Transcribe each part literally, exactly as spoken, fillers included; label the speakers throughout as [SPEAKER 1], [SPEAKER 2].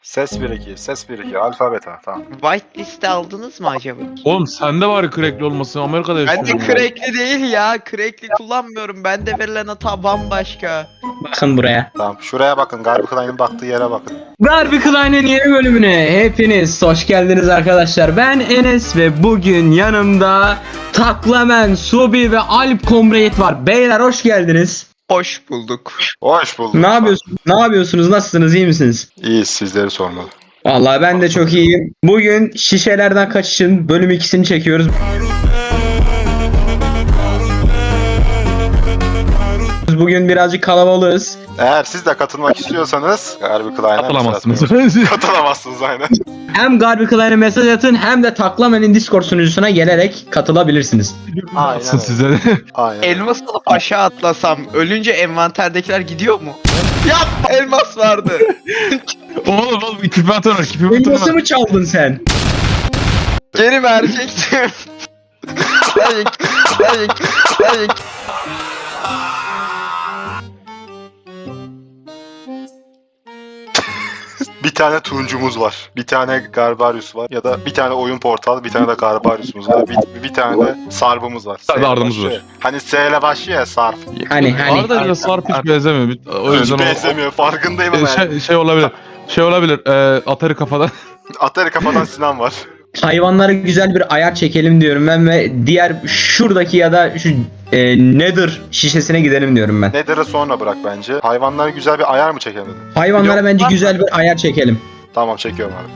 [SPEAKER 1] Ses bir iki, ses bir iki, alfa beta, tamam.
[SPEAKER 2] Whitelist'e aldınız mı acaba?
[SPEAKER 3] Oğlum sende var crackli olması, Amerika'da yaşıyorum.
[SPEAKER 2] Bende crackli değil ya. Crackli kullanmıyorum. Bende verilen hata bambaşka.
[SPEAKER 4] Bakın buraya.
[SPEAKER 1] Tamam, şuraya bakın, Garbi Klein'in baktığı yere bakın.
[SPEAKER 4] Garbi Klein'in yeni bölümüne hepiniz hoş geldiniz arkadaşlar. Ben Enes ve bugün yanımda Taklamen, Subi ve Alp Comrade var. Beyler hoş geldiniz.
[SPEAKER 2] Hoş bulduk.
[SPEAKER 1] Hoş bulduk.
[SPEAKER 4] Ne yapıyorsunuz? Ne yapıyorsunuz? Nasılsınız? İyi misiniz?
[SPEAKER 1] İyiyiz, sizleri sormalı.
[SPEAKER 4] Vallahi ben de çok iyiyim. Bugün şişelerden kaçışın bölüm ikisini çekiyoruz. Bugün birazcık kalabalığız.
[SPEAKER 1] Eğer siz de katılmak istiyorsanız Garbi Klein'e
[SPEAKER 3] Katılamazsınız.
[SPEAKER 1] Katılamazsınız aynen.
[SPEAKER 4] Hem Garbi Klein'e mesaj atın hem de Taklamen'in Discord sunucusuna gelerek katılabilirsiniz.
[SPEAKER 1] Aynen
[SPEAKER 3] Atsın
[SPEAKER 1] öyle.
[SPEAKER 3] size de.
[SPEAKER 1] Aynen.
[SPEAKER 2] Elmas alıp aşağı atlasam ölünce envanterdekiler gidiyor mu? Yapma, elmas vardı.
[SPEAKER 3] Oğlum oğlum küpe atar, küpe
[SPEAKER 4] Elması
[SPEAKER 3] atar.
[SPEAKER 4] mı çaldın sen?
[SPEAKER 2] Geri verecektim. Sayık, sayık, sayık.
[SPEAKER 1] Bir tane turuncumuz var. Bir tane Garbarius var. Ya da bir tane oyun portal, bir tane de Garbarius'umuz var. Bir, bir tane de Sarp'ımız var.
[SPEAKER 3] Tabii
[SPEAKER 1] S ile
[SPEAKER 3] ardımız
[SPEAKER 1] başlıyor.
[SPEAKER 3] var.
[SPEAKER 1] Hani S ile başlıyor ya Sarp.
[SPEAKER 4] Hani hani.
[SPEAKER 3] Arda ile Sarp hiç benzemiyor. Bir- O yüzden
[SPEAKER 1] Hiç
[SPEAKER 3] o-
[SPEAKER 1] benzemiyor, farkındayım
[SPEAKER 3] o-
[SPEAKER 1] ama
[SPEAKER 3] şey,
[SPEAKER 1] yani.
[SPEAKER 3] şey olabilir. Şey olabilir. E, Atari kafadan.
[SPEAKER 1] Atari kafadan Sinan var.
[SPEAKER 4] Hayvanlara güzel bir ayar çekelim diyorum ben ve diğer şuradaki ya da şu e, Nether şişesine gidelim diyorum ben.
[SPEAKER 1] Nether'ı sonra bırak bence. Hayvanlara güzel bir ayar mı çekemedin?
[SPEAKER 4] Hayvanlara
[SPEAKER 2] Yok,
[SPEAKER 4] bence
[SPEAKER 2] var
[SPEAKER 4] güzel bir ayar çekelim.
[SPEAKER 1] Tamam, çekiyorum abi.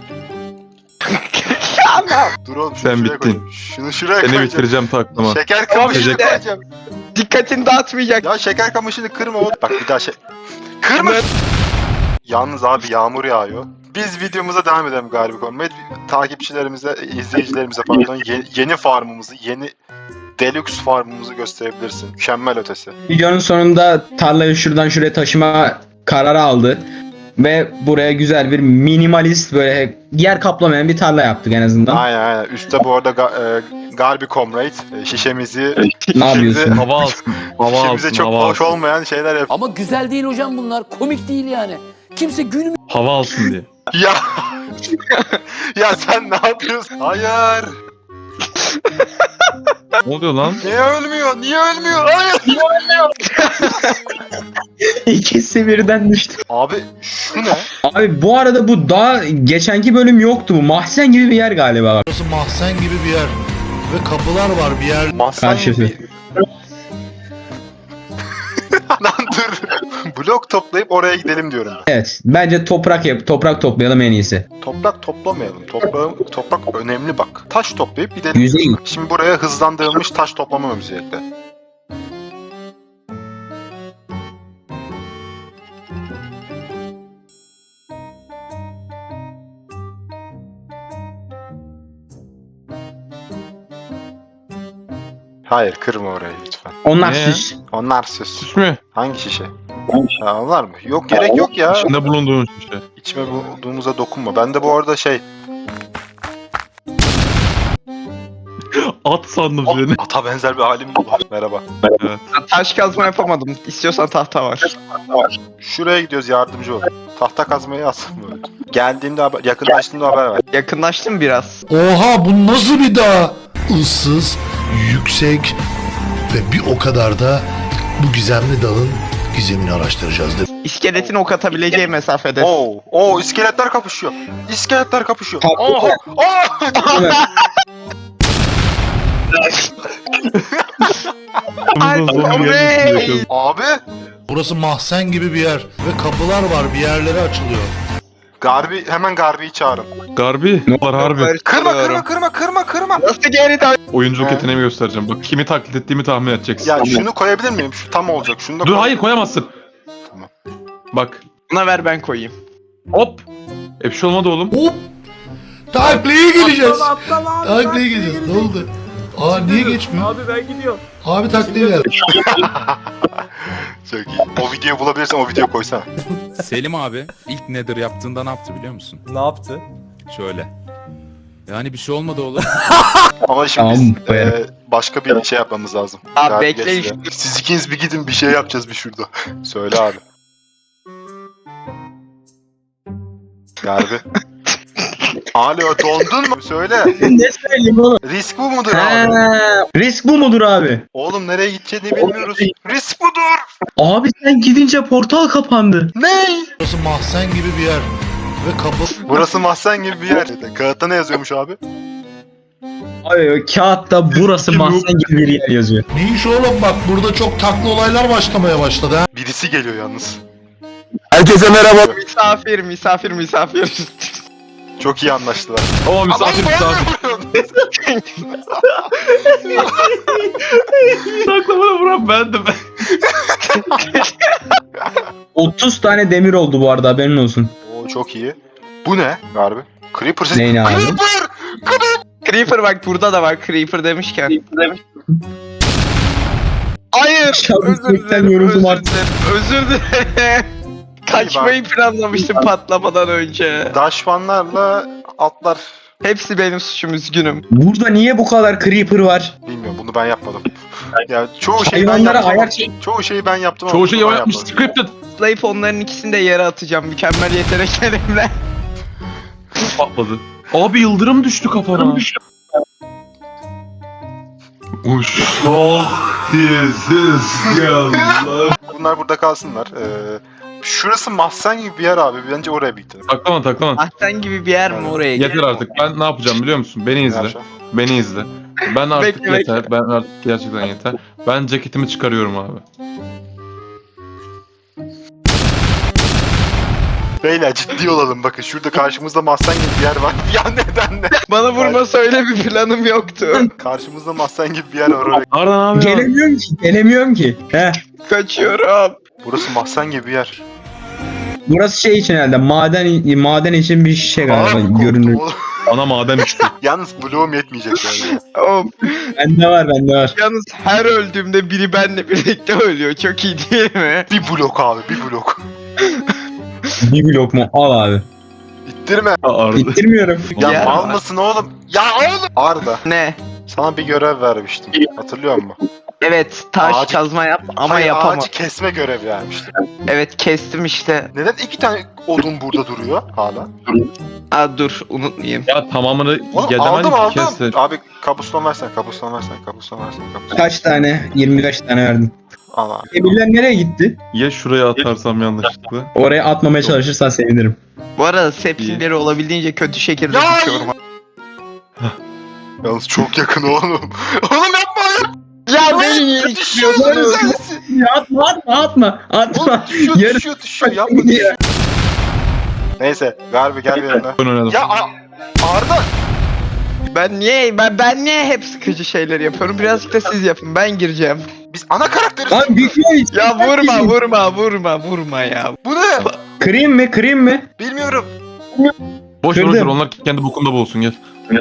[SPEAKER 1] Dur oğlum, şunu
[SPEAKER 3] Sen
[SPEAKER 1] şuraya
[SPEAKER 3] bittin.
[SPEAKER 1] koyayım. Şunu şuraya
[SPEAKER 3] Seni
[SPEAKER 1] koyacağım.
[SPEAKER 3] bitireceğim taklama.
[SPEAKER 1] Şeker kamışını
[SPEAKER 3] Teşekkür-
[SPEAKER 1] koyacağım.
[SPEAKER 2] Dikkatini dağıtmayacak.
[SPEAKER 1] Ya şeker kamışını kırma oğlum. Bak bir daha şey... Kırma! Yalnız abi yağmur yağıyor. Biz videomuza devam edelim Garbi Comrade. Takipçilerimize, izleyicilerimize pardon ye- yeni farmımızı, yeni deluxe farmımızı gösterebilirsin. Mükemmel ötesi.
[SPEAKER 4] Videonun sonunda tarlayı şuradan şuraya taşıma kararı aldı. Ve buraya güzel bir minimalist böyle yer kaplamayan bir tarla yaptık en azından.
[SPEAKER 1] Aynen aynen. Üstte bu arada ga- e, Garbi Comrade e, şişemizi...
[SPEAKER 4] Ne yapıyorsun?
[SPEAKER 3] Hava alsın. Hava
[SPEAKER 1] şişemize
[SPEAKER 3] alsın.
[SPEAKER 1] çok
[SPEAKER 3] Hava
[SPEAKER 1] hoş
[SPEAKER 3] alsın.
[SPEAKER 1] olmayan şeyler yap.
[SPEAKER 5] Ama güzel değil hocam bunlar. Komik değil yani. Kimse gülmüyor.
[SPEAKER 3] Hava alsın diye.
[SPEAKER 1] Ya! Ya sen ne yapıyorsun? Hayır!
[SPEAKER 3] Ne oluyor lan?
[SPEAKER 1] Niye ölmüyor? Niye ölmüyor? Hayır!
[SPEAKER 4] İkisi birden düştü.
[SPEAKER 1] Abi şu ne?
[SPEAKER 4] Abi bu arada bu daha geçenki bölüm yoktu bu. Mahzen gibi bir yer galiba.
[SPEAKER 6] Burası mahzen gibi bir yer. Ve kapılar var bir yer.
[SPEAKER 1] Mahzen
[SPEAKER 4] Karşısı.
[SPEAKER 1] gibi. Lan dur. Blok toplayıp oraya gidelim diyorum ben.
[SPEAKER 4] Evet. Bence toprak yap, toprak toplayalım en iyisi.
[SPEAKER 1] Toprak toplamayalım. Toprağın, toprak önemli bak. Taş toplayıp gidelim.
[SPEAKER 4] Yüzey.
[SPEAKER 1] Şimdi buraya hızlandırılmış taş toplama müziği ekle. Hayır, kırma orayı lütfen.
[SPEAKER 4] Onlar
[SPEAKER 3] Ne?
[SPEAKER 4] süs.
[SPEAKER 1] Onlar süs.
[SPEAKER 3] Süs mü?
[SPEAKER 1] Hangi şişe? Ha, onlar mı? Yok, gerek yok ya.
[SPEAKER 3] İçinde bulunduğun şey.
[SPEAKER 1] İçime bulduğumuza dokunma. Ben de bu arada şey...
[SPEAKER 3] At sandım seni.
[SPEAKER 1] Ata benzer bir halim var. Merhaba.
[SPEAKER 2] Taş kazma yapamadım. İstiyorsan tahta var.
[SPEAKER 1] Şuraya gidiyoruz, yardımcı ol. Tahta kazmayı alsın böyle. Geldiğimde haber, yakınlaştığımda haber ver.
[SPEAKER 2] Yakınlaştım biraz.
[SPEAKER 6] Oha, bu nasıl bir dağ? Issız, yüksek ve bir o kadar da bu gizemli dağın gizemini araştıracağız. De.
[SPEAKER 2] İskeletin ok atabileceği mesafede.
[SPEAKER 1] Oo, oo iskeletler kapışıyor. İskeletler kapışıyor.
[SPEAKER 4] Tatlı.
[SPEAKER 1] Oha! Aa!
[SPEAKER 2] Ay,
[SPEAKER 3] Bundan sonra
[SPEAKER 2] Comrade!
[SPEAKER 3] gelmişsin yakın.
[SPEAKER 1] Abi!
[SPEAKER 6] Burası mahzen gibi bir yer ve kapılar var, bir yerlere açılıyor.
[SPEAKER 1] Garbi, hemen Garbi'yi çağırın.
[SPEAKER 3] Garbi. Ne var harbi.
[SPEAKER 1] Kırma, kırma, kırma, kırma, kırma.
[SPEAKER 2] Nasıl geri dön?
[SPEAKER 3] Oyunculuk
[SPEAKER 1] He.
[SPEAKER 3] yeteneğimi göstereceğim. Bak kimi taklit ettiğimi tahmin edeceksin.
[SPEAKER 1] Ya şunu koyabilir miyim? Şu tam olacak. Şunu da
[SPEAKER 3] Dur
[SPEAKER 1] koy.
[SPEAKER 3] hayır koyamazsın.
[SPEAKER 1] Tamam.
[SPEAKER 3] Bak.
[SPEAKER 2] Buna ver ben koyayım.
[SPEAKER 3] Hop. E bir şey olmadı oğlum.
[SPEAKER 6] Hop! Taklaya geleceğiz. Taklaya geleceğiz. Ne oldu? Aa, niye geçmiyor? Abi ben gidiyorum. Abi taklaya gel.
[SPEAKER 1] Çok iyi. O videoyu bulabilirsen o videoyu koysana.
[SPEAKER 7] Selim abi ilk Nether yaptığında ne yaptı biliyor musun?
[SPEAKER 8] Ne yaptı?
[SPEAKER 7] Şöyle. Yani bir şey olmadı oğlum.
[SPEAKER 1] Ama şimdi
[SPEAKER 4] Tamam,
[SPEAKER 1] biz
[SPEAKER 4] koyarım.
[SPEAKER 1] e, başka bir şey yapmamız lazım.
[SPEAKER 2] Abi
[SPEAKER 1] Garbi
[SPEAKER 2] bekleyin
[SPEAKER 1] geçsin ya. Siz ikiniz bir gidin, bir şey yapacağız bir şurada. Söyle abi. Garbi. Alo dondun mu? Söyle.
[SPEAKER 4] Ne söyleyeyim oğlum?
[SPEAKER 1] Risk bu mudur
[SPEAKER 4] He,
[SPEAKER 1] abi?
[SPEAKER 4] risk bu mudur abi?
[SPEAKER 1] Oğlum nereye gideceğini bilmiyoruz. Risk budur.
[SPEAKER 4] Abi sen gidince portal kapandı.
[SPEAKER 1] Ne?
[SPEAKER 6] Burası mahzen gibi bir yer. Ve kapı...
[SPEAKER 1] Burası mahzen gibi bir yer. Kağıtta ne yazıyormuş abi?
[SPEAKER 4] Abi kağıtta burası mahzen gibi bir yer yazıyor.
[SPEAKER 6] Ne iş oğlum bak burada çok taklı olaylar başlamaya başladı ha.
[SPEAKER 1] Birisi geliyor yalnız.
[SPEAKER 6] Herkese merhaba.
[SPEAKER 2] Misafir, misafir, misafir.
[SPEAKER 1] Çok iyi anlaştılar.
[SPEAKER 3] Oo misafir misafir. Saklamada vuran bendim.
[SPEAKER 4] otuz tane demir oldu bu arada, haberin olsun.
[SPEAKER 1] Oo çok iyi. Bu ne? Garbi. Creeper ses.
[SPEAKER 4] Neyin abi?
[SPEAKER 1] Creeper!
[SPEAKER 2] Creeper bak burada da var Creeper demişken. Hayır.
[SPEAKER 4] Şahsen
[SPEAKER 2] Özür dilerim.
[SPEAKER 4] yoruldum
[SPEAKER 2] Özür
[SPEAKER 4] artık.
[SPEAKER 2] dilerim. Özür dilerim. Kaçmayı planlamıştım patlamadan önce.
[SPEAKER 1] Daşmanlarla atlar.
[SPEAKER 2] Hepsi benim suçum, üzgünüm.
[SPEAKER 4] Burada niye bu kadar creeper var?
[SPEAKER 1] Bilmiyorum bunu ben yapmadım. Ya çoğu şeyi ben
[SPEAKER 4] Hayvanlara
[SPEAKER 1] yaptım.
[SPEAKER 4] ayak çek.
[SPEAKER 1] Çoğu şeyi ben yaptım. ama
[SPEAKER 3] Çoğu
[SPEAKER 1] bunu
[SPEAKER 3] şeyi
[SPEAKER 1] ben
[SPEAKER 3] o yapmış.
[SPEAKER 1] yapmadım.
[SPEAKER 3] Scripted.
[SPEAKER 2] Zayıf onların ikisini de yere atacağım mükemmel yeteneklerimle.
[SPEAKER 3] Patladı. Abi yıldırım düştü kafana. Uşak dizsiz geldiler.
[SPEAKER 1] Bunlar burada kalsınlar. Ee, şurası mahzen gibi bir yer abi. Bence oraya bitti.
[SPEAKER 3] Taklama taklama.
[SPEAKER 2] Ahsen gibi bir yer mi oraya?
[SPEAKER 3] Yeter artık. Ben ne yapacağım biliyor musun? Beni izle. Beni izle. Ben artık
[SPEAKER 2] Bekle,
[SPEAKER 3] yeter. Ben artık gerçekten yeter. Ben ceketimi çıkarıyorum abi.
[SPEAKER 1] Beyler ciddi olalım bakın. Şurada karşımızda mahzen gibi bir yer var. Ya neden ne?
[SPEAKER 2] Bana vurma söyle, bir planım yoktu.
[SPEAKER 1] Karşımızda mahzen gibi bir yer var oraya.
[SPEAKER 3] Arda ne yapıyorsun?
[SPEAKER 4] Gelemiyorum ki, gelemiyorum ki. Heh.
[SPEAKER 2] Kaçıyorum.
[SPEAKER 1] Burası mahzen gibi bir yer.
[SPEAKER 4] Burası şey için herhalde, maden maden için bir şey galiba,
[SPEAKER 1] Aa, korktum
[SPEAKER 4] görünür.
[SPEAKER 1] oğlum.
[SPEAKER 3] Ana maden düştü.
[SPEAKER 1] Yalnız bloğum yetmeyecek yani.
[SPEAKER 2] Oğlum,
[SPEAKER 4] Bende var, bende var.
[SPEAKER 2] yalnız her öldüğümde biri benimle birlikte ölüyor. Çok iyi değil mi?
[SPEAKER 1] Bir blok abi bir blok.
[SPEAKER 4] Bir blok mu? Al abi.
[SPEAKER 1] İttirme.
[SPEAKER 3] Arda.
[SPEAKER 4] Bitirmiyorum.
[SPEAKER 1] Ya
[SPEAKER 2] Yer
[SPEAKER 1] mal
[SPEAKER 2] var.
[SPEAKER 1] mısın oğlum? Ya oğlum. Arda
[SPEAKER 2] Ne?
[SPEAKER 1] sana bir görev vermiştim. Hatırlıyor musun?
[SPEAKER 2] Evet, taş
[SPEAKER 1] Ağacı-
[SPEAKER 2] kazma yap ama
[SPEAKER 1] Hayır,
[SPEAKER 2] yapamam.
[SPEAKER 1] ağacı kesme görev vermiştim.
[SPEAKER 2] Evet, kestim işte.
[SPEAKER 1] Neden iki tane odun burada duruyor hala?
[SPEAKER 2] Aa dur, unutmayayım.
[SPEAKER 3] Ya tamamını
[SPEAKER 1] Oğlum
[SPEAKER 3] gelemem
[SPEAKER 1] aldım
[SPEAKER 3] ki
[SPEAKER 1] aldım.
[SPEAKER 3] kesin.
[SPEAKER 1] Abi kabuston versene kabuston versene kabuston versene kabuston.
[SPEAKER 4] Kaç tane? yirmi beş tane verdim.
[SPEAKER 1] Al abi.
[SPEAKER 4] Emirler nereye gitti?
[SPEAKER 3] Ya şuraya atarsam yanlışlıkla.
[SPEAKER 4] Oraya atmamaya çalışırsan sevinirim.
[SPEAKER 2] Bu arada sepsimleri olabildiğince kötü şekilde
[SPEAKER 1] Ya!
[SPEAKER 2] tutuyorum.
[SPEAKER 1] Yalnız çok yakın oğlum. oğlum yapma ya.
[SPEAKER 2] Ya beni niye
[SPEAKER 1] Düşüyorsun
[SPEAKER 2] istiyorsunuz?
[SPEAKER 1] sensin.
[SPEAKER 4] Ya atma atma atma. Atma.
[SPEAKER 1] Oğlum düşüyor
[SPEAKER 4] Yarın-
[SPEAKER 1] düşüyor düşüyor yapma düşüyor. Neyse Garbi gel bir yanına.
[SPEAKER 3] Ben oynadım.
[SPEAKER 1] Ya A- Arda.
[SPEAKER 2] Ben niye ben ben niye hep sıkıcı şeyler yapıyorum? Birazcık da siz yapın. Ben gireceğim.
[SPEAKER 1] Biz ana karakteriz.
[SPEAKER 4] Lan düşüyor.
[SPEAKER 2] Ya vurma vurma vurma vurma ya.
[SPEAKER 1] Bu ne?
[SPEAKER 4] Kırayım mı kırayım mı?
[SPEAKER 1] Bilmiyorum.
[SPEAKER 3] Boş ver
[SPEAKER 4] Kırdım.
[SPEAKER 3] boş ver, onlar kendi bokunda bulsun gel.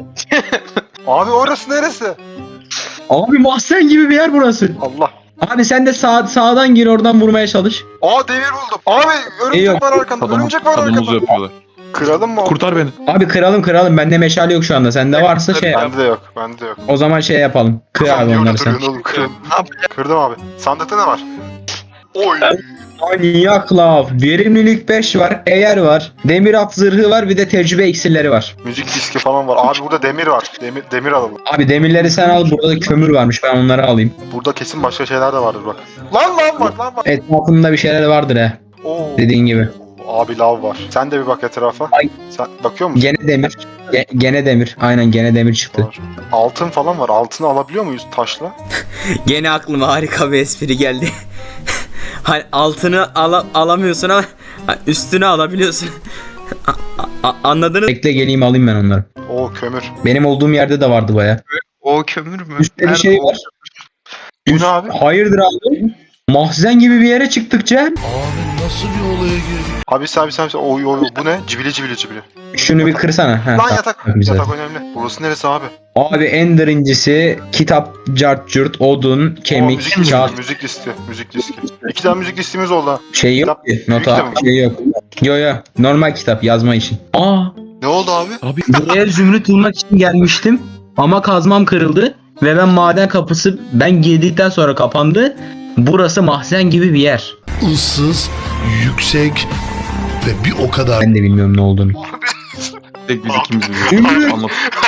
[SPEAKER 1] Abi orası neresi?
[SPEAKER 4] Abi mahzen gibi bir yer burası.
[SPEAKER 1] Allah.
[SPEAKER 4] Abi sen de sağ, sağdan gir, oradan vurmaya çalış.
[SPEAKER 1] Aa demir buldum. Abi örümcek
[SPEAKER 4] İyi yok.
[SPEAKER 1] var arkanda.
[SPEAKER 3] Adamı,
[SPEAKER 1] Örümcek var
[SPEAKER 3] adamımızı
[SPEAKER 1] arkanda.
[SPEAKER 3] yapıyorlar.
[SPEAKER 1] Kıralım mı?
[SPEAKER 3] Kurtar beni.
[SPEAKER 4] Abi kıralım kıralım. Bende meşale yok şu anda. Sende varsa şey yap.
[SPEAKER 1] Bende de yok. Bende de yok.
[SPEAKER 4] O zaman şey yapalım. Kır
[SPEAKER 1] Sen
[SPEAKER 4] abi
[SPEAKER 1] niye
[SPEAKER 4] onları
[SPEAKER 1] orada
[SPEAKER 4] sen.
[SPEAKER 1] duruyorsun oğlum? Kırın.
[SPEAKER 2] Ne yapacağım?
[SPEAKER 1] Kırdım abi. Sandıkta ne var? Oy.
[SPEAKER 4] Manyak lav. Verimlilik beş var. Eğer var. Demir at zırhı var. Bir de tecrübe iksirleri var.
[SPEAKER 1] Müzik diski falan var. Abi burada demir var. Demir, demir alalım.
[SPEAKER 4] Abi demirleri sen al. Burada da kömür varmış. Ben onları alayım.
[SPEAKER 1] Burada kesin başka şeyler de vardır bak. Lan lan var lan var.
[SPEAKER 4] Etrafında bir şeyler vardır he.
[SPEAKER 1] Oo.
[SPEAKER 4] Dediğin gibi.
[SPEAKER 1] Abi lav var. Sen de bir bak etrafa.
[SPEAKER 4] Ay.
[SPEAKER 1] Sen bakıyor musun?
[SPEAKER 4] Gene demir. Ge- gene demir. Aynen gene demir çıktı.
[SPEAKER 1] Var. Altın falan var. Altını alabiliyor muyuz taşla?
[SPEAKER 8] Gene aklıma harika bir espri geldi. Hani altını ala- alamıyorsun ama üstünü alabiliyorsun. A- a- anladınız?
[SPEAKER 4] Bekle geleyim alayım ben onları.
[SPEAKER 1] Oo kömür.
[SPEAKER 4] Benim olduğum yerde de vardı baya.
[SPEAKER 2] O kömür mü?
[SPEAKER 4] Üstte bir
[SPEAKER 2] Nerede
[SPEAKER 4] şey
[SPEAKER 2] o?
[SPEAKER 4] var.
[SPEAKER 1] Bu ne abi?
[SPEAKER 4] Hayırdır abi? Mahzen gibi bir yere çıktık Cem.
[SPEAKER 6] Abi nasıl bir olaya girdik?
[SPEAKER 1] Abi sen abi sen sen- oy oy oy. Bu ne? Cibili cibili cibili.
[SPEAKER 4] Şunu bir kırsana. Ha,
[SPEAKER 1] Lan
[SPEAKER 4] tamam,
[SPEAKER 1] yatak.
[SPEAKER 4] güzel.
[SPEAKER 1] Yatak önemli. Burası neresi abi?
[SPEAKER 4] Abi Ender incisi, kitap, cart curt, odun,
[SPEAKER 1] Oo, müzik
[SPEAKER 4] kemik,
[SPEAKER 1] listi.
[SPEAKER 4] kağıt.
[SPEAKER 1] Müzik listi. Müzik diski. İki tane müzik listimiz oldu ha.
[SPEAKER 4] Şey yok ki. Nota
[SPEAKER 1] Büyük de
[SPEAKER 4] şey yok. Yo yo. Normal kitap yazma için. Aa.
[SPEAKER 1] Ne oldu abi?
[SPEAKER 3] Abi
[SPEAKER 4] Buraya zümrüt bulmak için gelmiştim. Ama kazmam kırıldı. Ve ben maden kapısı ben girdikten sonra kapandı. Burası mahzen gibi bir yer.
[SPEAKER 6] Issız, yüksek ve bir o kadar
[SPEAKER 4] Ben de bilmiyorum ne olduğunu.
[SPEAKER 3] Tek biz ikimiz biliyoruz. Anlat.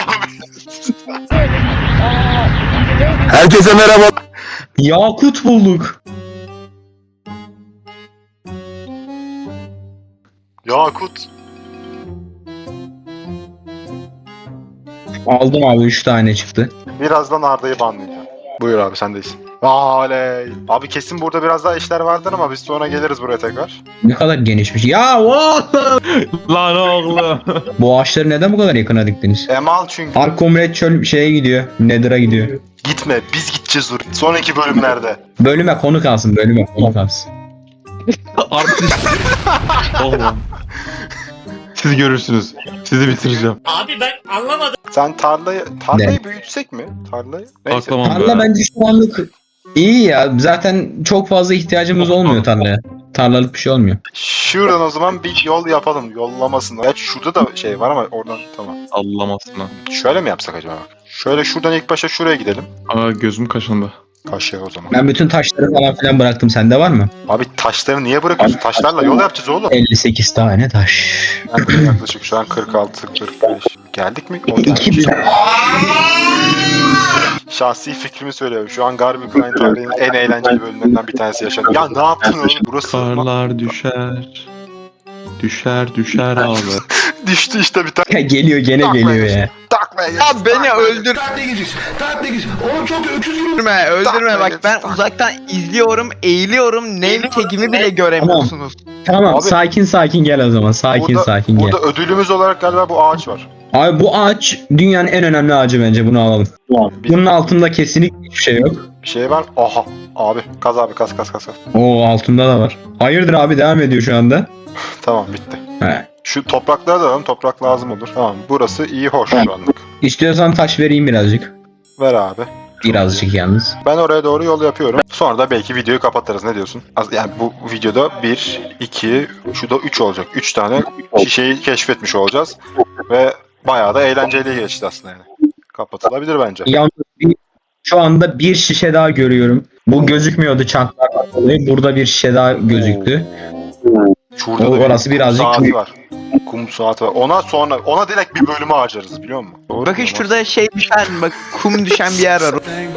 [SPEAKER 6] Herkese merhaba.
[SPEAKER 4] Yakut bulduk.
[SPEAKER 1] Yakut.
[SPEAKER 4] Aldım abi üç tane çıktı.
[SPEAKER 1] Birazdan Arda'yı banlayacağım. Buyur abi sendeyiz. Aley. Abi kesin burada biraz daha işler vardır ama biz sonra geliriz buraya tekrar.
[SPEAKER 4] Ne kadar genişmiş. Ya wow!
[SPEAKER 3] Lan oğlum.
[SPEAKER 4] Bu ağaçları neden bu kadar yakına diktiniz?
[SPEAKER 1] Emal çünkü.
[SPEAKER 4] Ark Comrade çöl şeye gidiyor. Nether'a gidiyor.
[SPEAKER 1] Gitme biz gideceğiz oraya. Sonraki bölümlerde.
[SPEAKER 4] Bölüme konu kalsın, bölüme konu kalsın.
[SPEAKER 3] Artist. Oğlum. Siz görürsünüz. Sizi bitireceğim.
[SPEAKER 1] Sen tarlayı tarlayı büyütsek mi? Tarlayı. Neyse.
[SPEAKER 3] Aklamam
[SPEAKER 4] Tarla
[SPEAKER 3] be.
[SPEAKER 4] bence şu anlık iyi ya. Zaten çok fazla ihtiyacımız olmuyor tarlaya. Tarlalık bir şey olmuyor.
[SPEAKER 1] Şuradan o zaman bir yol yapalım. Yollamasın. Evet şurada da şey var ama oradan tamam.
[SPEAKER 3] Sallamasına.
[SPEAKER 1] Şöyle mi yapsak acaba? Şöyle şuradan ilk başa şuraya gidelim.
[SPEAKER 3] Aa gözüm kaşındı.
[SPEAKER 1] Kaşıya o zaman.
[SPEAKER 4] Ben bütün taşları falan filan bıraktım. Sende var mı?
[SPEAKER 1] Abi taşları niye bırakıyorsun? Taşlarla yol yapacağız oğlum.
[SPEAKER 4] elli sekiz tane taş.
[SPEAKER 1] Nerede yaklaşık şu an kırk altı kırk beş. Geldik mi? O
[SPEAKER 4] İki
[SPEAKER 1] gelmiş. Şahsi fikrimi söylüyorum. Şu an Garby Crime tarihinin en eğlenceli bölümlerinden bir tanesi yaşadım. Ya ne yaptın oğlum? Burası
[SPEAKER 3] Karlar düşer. Düşer düşer abi.
[SPEAKER 1] düştü işte bir tane.
[SPEAKER 4] geliyor gene geliyor ya.
[SPEAKER 1] Taklaya geç.
[SPEAKER 2] Ya beni öldür.
[SPEAKER 6] Tatile gideceğiz. Tatile gideceğiz. Oğlum çok öküz gibi.
[SPEAKER 2] Öldürme, öldürme bak ben uzaktan izliyorum, eğiliyorum, name tag'imi bile göremiyorsunuz.
[SPEAKER 4] Tamam
[SPEAKER 1] Abi-
[SPEAKER 4] sakin sakin gel o zaman. Sakin
[SPEAKER 1] Burada,
[SPEAKER 4] sakin gel.
[SPEAKER 1] burada ödülümüz olarak galiba bu ağaç var.
[SPEAKER 4] Abi bu ağaç dünyanın en önemli ağacı bence, bunu alalım. Bunun altında kesinlikle hiçbir şey yok.
[SPEAKER 1] Bir şey var. Aha. Abi kaz abi kaz kaz kaz. kaz.
[SPEAKER 4] Oo altında da var. Hayırdır abi, devam ediyor şu anda.
[SPEAKER 1] Tamam bitti.
[SPEAKER 4] He.
[SPEAKER 1] Şu toprakları da alalım. Toprak lazım olur. Tamam. Burası iyi hoş şu anlık.
[SPEAKER 4] İstiyorsan taş vereyim birazcık.
[SPEAKER 1] Ver abi.
[SPEAKER 4] Birazcık yalnız.
[SPEAKER 1] Ben oraya doğru yol yapıyorum. Sonra da belki videoyu kapatırız. Ne diyorsun? Az- Yani bu videoda bir, iki, şu da üç olacak. üç tane şişeyi keşfetmiş olacağız. Ve bayağı da eğlenceli geçti aslında yani. Kapatılabilir bence.
[SPEAKER 4] Yalnız bir, şu anda bir şişe daha görüyorum. Bu gözükmüyordu çantlardan dolayı. Burada bir şişe daha gözüktü.
[SPEAKER 1] Şurada
[SPEAKER 4] O-
[SPEAKER 1] da bir
[SPEAKER 4] orası
[SPEAKER 1] kum
[SPEAKER 4] birazcık
[SPEAKER 1] saati
[SPEAKER 4] büyük.
[SPEAKER 1] var. Kum saati var. Ona sonra, ona direkt bir bölümü harcarız biliyor musun? Doğru
[SPEAKER 2] Bakın
[SPEAKER 1] mu?
[SPEAKER 2] şurada şey düşen, bak kum düşen bir yer var.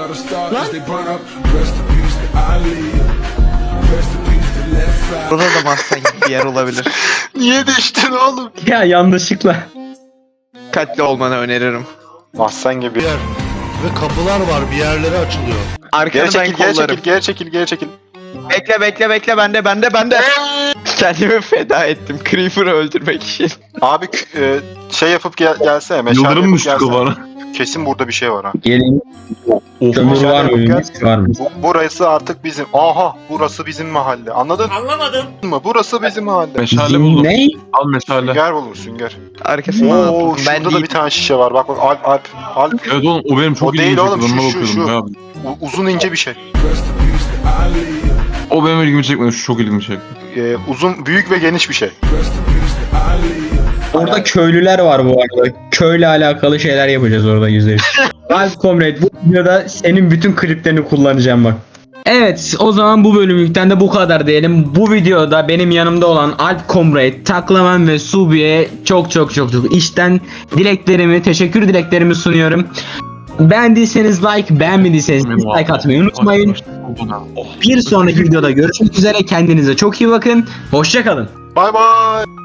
[SPEAKER 2] Burada da mahzen gibi bir yer olabilir.
[SPEAKER 1] Niye düştün oğlum?
[SPEAKER 4] Ya yanlışlıkla.
[SPEAKER 2] Dikkatli olmanı öneririm.
[SPEAKER 1] Mahzen gibi.
[SPEAKER 6] Yer. Ve kapılar var, bir yerlere açılıyor.
[SPEAKER 1] Geri
[SPEAKER 2] Arkanı ben
[SPEAKER 1] çekil, geri
[SPEAKER 2] kollarım.
[SPEAKER 1] çekil, geri çekil, geri çekil.
[SPEAKER 2] Bekle bekle bekle bende bende bende. Kendimi feda ettim Creeper'ı öldürmek için.
[SPEAKER 1] Abi k- e, şey yapıp gel gelsene. Meşale
[SPEAKER 3] Yıldırım
[SPEAKER 1] yapıp
[SPEAKER 3] düştü
[SPEAKER 1] gelsene.
[SPEAKER 3] kafana.
[SPEAKER 1] Kesin burada bir şey var ha.
[SPEAKER 4] Gelin.
[SPEAKER 3] Of.
[SPEAKER 4] Kömür
[SPEAKER 1] Meşale
[SPEAKER 4] var mı?
[SPEAKER 1] yapıp gel.
[SPEAKER 4] Mis var mı?
[SPEAKER 1] Bu, burası artık bizim. Aha, burası bizim mahalle. Anladın Anlamadım. mı? Burası bizim mahalle.
[SPEAKER 3] Meşale buldum.
[SPEAKER 4] Ne?
[SPEAKER 3] Al meşale.
[SPEAKER 1] Sünger bulur, sünger.
[SPEAKER 2] Arkasından
[SPEAKER 1] Oo,
[SPEAKER 2] atladım. Ben
[SPEAKER 1] şurada da
[SPEAKER 2] değil.
[SPEAKER 1] bir tane şişe var. Bak bak, Alp, Alp, Alp.
[SPEAKER 3] Evet oğlum o benim çok
[SPEAKER 1] O değil
[SPEAKER 3] ilgimi
[SPEAKER 1] oğlum,
[SPEAKER 3] çekti.
[SPEAKER 1] şu,
[SPEAKER 3] Onunla
[SPEAKER 1] şu,
[SPEAKER 3] bakıyordum
[SPEAKER 1] şu.
[SPEAKER 3] ya.
[SPEAKER 1] U- uzun ince bir şey.
[SPEAKER 3] O benim ilgimi çekmedi. Şu çok ilgimi çekti.
[SPEAKER 1] Ee, uzun, büyük ve geniş bir şey.
[SPEAKER 4] Orada köylüler var bu arada. Köyle alakalı şeyler yapacağız orada yüzde yüz. Alp Comrade, bu videoda senin bütün kliplerini kullanacağım bak. Evet, o zaman bu bölümlükten de bu kadar diyelim. Bu videoda benim yanımda olan Alp Comrade, Taklaman ve Subi'ye çok çok çok çok içten dileklerimi, teşekkür dileklerimi sunuyorum. Beğendiyseniz like, beğenmediyseniz dislike atmayı unutmayın. Bir sonraki videoda görüşmek üzere. Kendinize çok iyi bakın. Hoşça kalın.
[SPEAKER 1] Bay bay.